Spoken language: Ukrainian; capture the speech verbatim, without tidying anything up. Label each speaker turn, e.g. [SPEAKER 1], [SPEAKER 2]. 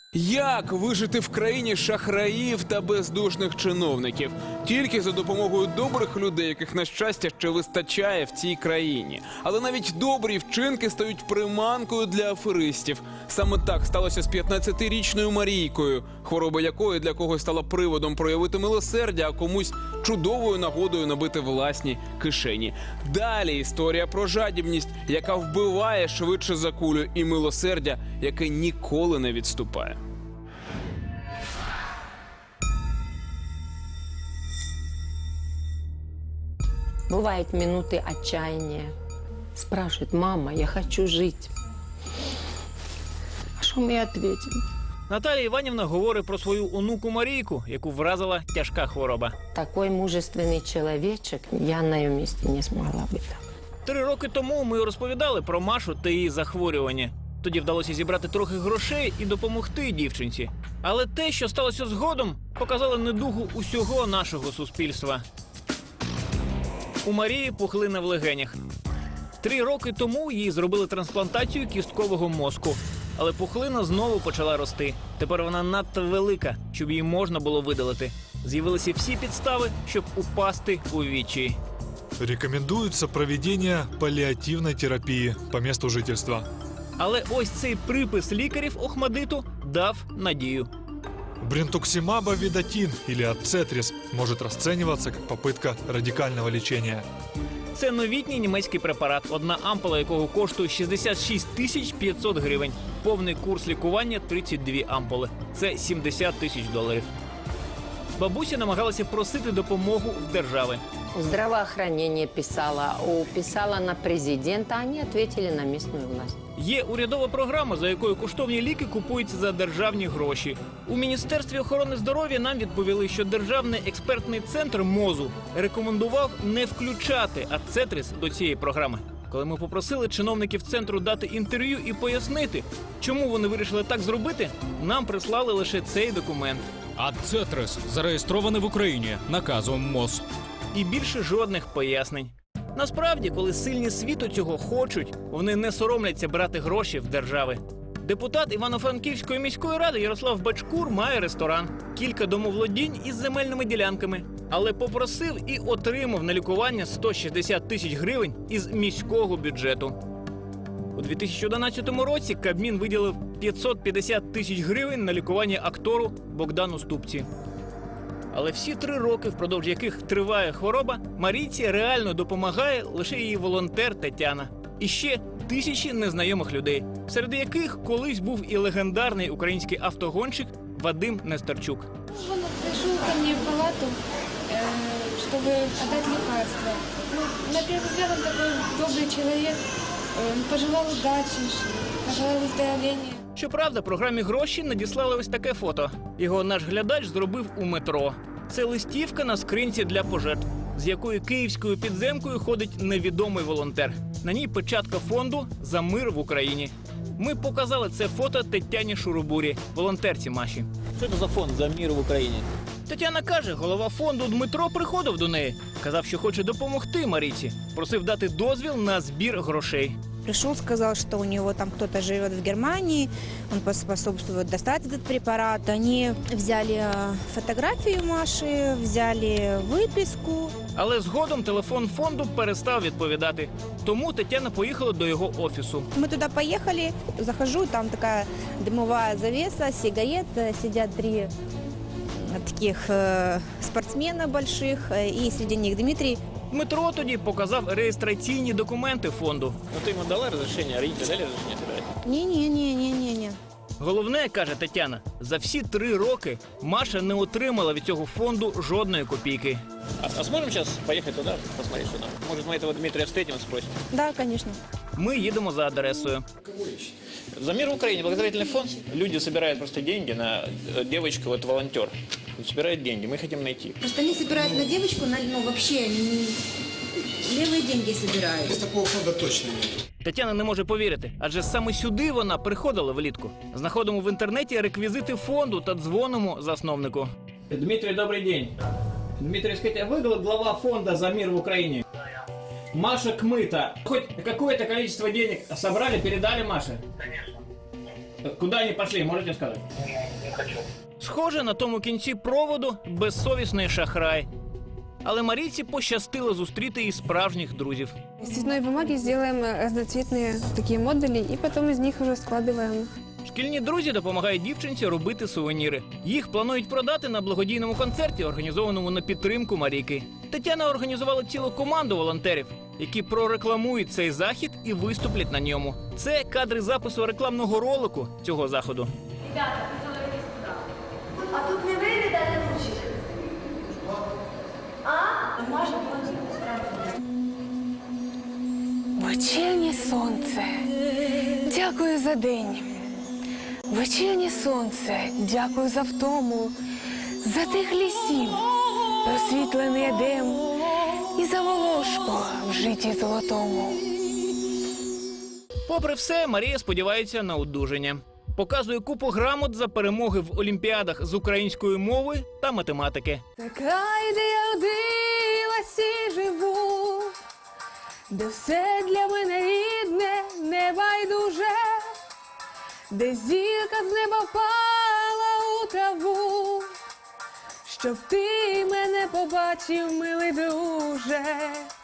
[SPEAKER 1] Як вижити в країні шахраїв та бездушних чиновників? Тільки за допомогою добрих людей, яких, на щастя, ще вистачає в цій країні. Але навіть добрі вчинки стають приманкою для аферистів. Саме так сталося з п'ятнадцятирічною Марійкою, хвороба якої для когось стала приводом проявити милосердя, а комусь чудовою нагодою набити власні кишені. Далі історія про жадібність, яка вбиває швидше за кулю, і милосердя, яке ніколи не відступає.
[SPEAKER 2] Бывают минуты отчаяния. Спрашивает: мама, я хочу жить. А що ми ответим?
[SPEAKER 3] Наталія Іванівна говорить про свою онуку Марійку, яку вразила тяжка хвороба.
[SPEAKER 2] Такой мужественный человечек, я на ее месте не смогла бы так.
[SPEAKER 3] Три роки тому ми розповідали про Машу та її захворювання. Тоді вдалося зібрати трохи грошей і допомогти дівчинці. Але те, що сталося згодом, показало недугу усього нашого суспільства. У Марії пухлина в легенях. Три роки тому їй зробили трансплантацію кісткового мозку. Але пухлина знову почала рости. Тепер вона надто велика, щоб її можна було видалити. З'явилися всі підстави, щоб упасти у відчай.
[SPEAKER 4] Рекомендуется проведение паллиативной терапии по месту жительства.
[SPEAKER 3] Але ось цей припис лікарів Охмадиту дав надію.
[SPEAKER 4] Бринтуксимаб-авидатин или ацетрис может расцениваться как попытка радикального лечения.
[SPEAKER 3] Це новітній німецький препарат, одна ампула якого коштує шістдесят шість тисяч п'ятсот гривень. Повний курс лікування – тридцять дві ампули. Це сімдесят тисяч доларів. Бабуся намагалася просити допомогу в держави.
[SPEAKER 2] Здравоохранение писала, писала на президента, они ответили на местную власть.
[SPEAKER 3] Є урядова програма, за якою коштовні ліки купуються за державні гроші. У Міністерстві охорони здоров'я нам відповіли, що Державний експертний центр МОЗу рекомендував не включати ацетрис до цієї програми. Коли ми попросили чиновників центру дати інтерв'ю і пояснити, чому вони вирішили так зробити, нам прислали лише цей документ.
[SPEAKER 5] Ацетрис зареєстрований в Україні наказом МОЗ.
[SPEAKER 3] І більше жодних пояснень. Насправді, коли сильні світу цього хочуть, вони не соромляться брати гроші в держави. Депутат Івано-Франківської міської ради Ярослав Бачкур має ресторан, кілька домоволодінь із земельними ділянками. Але попросив і отримав на лікування сто шістдесят тисяч гривень із міського бюджету. У дві тисячі одинадцятому році Кабмін виділив п'ятсот п'ятдесят тисяч гривень на лікування актору Богдану Ступці. Але всі три роки, впродовж яких триває хвороба, Марійці реально допомагає лише її волонтер Тетяна. І ще тисячі незнайомих людей, серед яких колись був і легендарний український автогонщик Вадим Нестерчук.
[SPEAKER 6] Он пришел ко мне в палату, э, чтобы отдать лекарства. Ну, на первый взгляд он такой добрый человек, э, пожелал удачи, пожелал выздоровления.
[SPEAKER 3] Щоправда, програмі «Гроші» надіслали ось таке фото. Його наш глядач зробив у метро. Це листівка на скринці для пожертв, з якою київською підземкою ходить невідомий волонтер. На ній печатка фонду «За мир в Україні». Ми показали це фото Тетяні Шурубурі, волонтерці Маші. Що це за фонд «За мир в Україні»? Тетяна каже, голова фонду Дмитро приходив до неї. Казав, що хоче допомогти Марійці. Просив дати дозвіл на збір грошей.
[SPEAKER 7] Пришел, сказал, что у него там кто-то живет в Германии, он поспособствует достать этот препарат. Они взяли фотографию Маши, взяли выписку.
[SPEAKER 3] Але згодом телефон фонду перестав відповідати. Тому Тетяна поїхала до його офісу.
[SPEAKER 7] Мы туда поехали, захожу, там такая дымовая завеса, сигарет, сидят три таких э, спортсмена больших, и среди них Дмитрий.
[SPEAKER 3] Дмитро тоді показав реєстраційні документи фонду. Ну ти йому дала розрішення, а родителі дали розрішення тебе?
[SPEAKER 7] Не-не-не-не-не.
[SPEAKER 3] Головне, каже Тетяна, за всі три роки Маша не отримала від цього фонду жодної копійки. А, а зможемо зараз поїхати туди, посмотрети, що там? Може, ми цього Дмитрія встретимо, спросимо?
[SPEAKER 7] Да, конечно.
[SPEAKER 3] Ми їдемо за адресою. За мир в Украине благотворительный фонд. Люди собирают просто деньги на девочку, вот волонтер. Собирает деньги, мы хотим найти.
[SPEAKER 8] Просто они собирают на девочку, на, ну вообще, не, левые деньги собирают.
[SPEAKER 9] Без такого фонда точно нет.
[SPEAKER 3] Тетяна не може повірити, адже саме сюди вона приходила влітку. Знаходимо в інтернеті реквізити фонду та дзвонимо засновнику. Дмитрий, добрий день. Дмитрий, скажите, а вы глава фонда «За мир в Украине»? Маша Кмыта. Хоть какое-то количество денег собрали, передали Маше?
[SPEAKER 10] Конечно.
[SPEAKER 3] Куди вони пішли, можете сказати? Схоже, на тому кінці проводу безсовісний шахрай. Але Марійці пощастило зустріти і справжніх друзів.
[SPEAKER 6] Из цветной бумаги сделаем разноцветные такие модули и потом из них уже складываем.
[SPEAKER 3] Шкільні друзі допомагають дівчинці робити сувеніри. Їх планують продати на благодійному концерті, організованому на підтримку Марійки. Тетяна організувала цілу команду волонтерів, які прорекламують цей захід і виступлять на ньому. Це кадри запису рекламного ролику цього заходу.
[SPEAKER 8] А тут не вийде дати ручки? А? Може,
[SPEAKER 9] Вечірнє сонце, дякую за день. Вечірнє сонце, дякую за втому, за тих лісів, просвітлений едем і за волошку в житті золотому.
[SPEAKER 3] Попри все, Марія сподівається на одужання. Показує купу грамот за перемоги в олімпіадах з української мови та математики.
[SPEAKER 9] Це край, де я родилась і живу, де все для мене рідне, небайдуже, де зірка з неба впала у траву, щоб ти мене побачив, милий друже.